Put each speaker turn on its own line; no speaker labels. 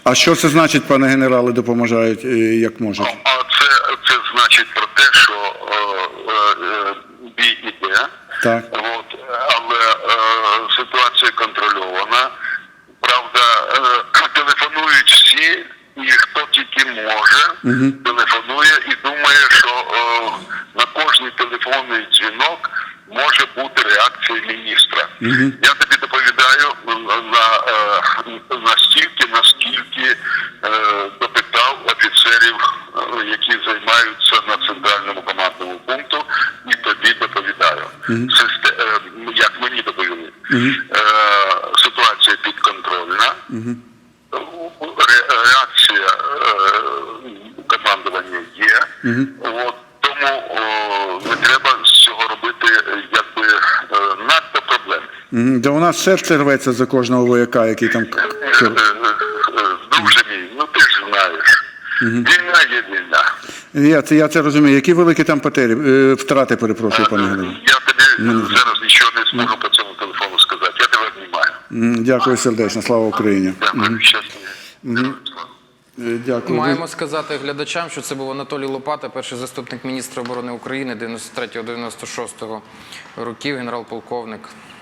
А що це значить, пане генерале, допоможають, як можуть?
Це значить про те, що бій іде,
Так.
але ситуація контрольована. Правда, телефонують всі, і хто тільки може, телефонує і думає, що на кожний телефонний дзвінок може бути реакція міністра. Я тобі доповідаю настільки, наскільки допитав офіцерів, які займаються на центральному командному пункту, і тобі доповідаю. Як мені доповіли. Ситуація підконтрольна. Реакція командування є. Тому не треба з цього робити надто проблем.
Да у нас серце рветься за кожного вояка, який там...
Друже мій, ти ж знаєш. Війна є війна.
Я це розумію. Які великі там втрати, перепрошую, пане генерале?
Я тобі зараз нічого не зможу по цьому телефону сказати. Я тебе обнімаю.
Дякую сердечно. Слава Україні.
Дякую. Щасливо.
Дякую.
Маємо сказати глядачам, що це був Анатолій Лопата, перший заступник міністра оборони України 93-96 років, генерал-полковник.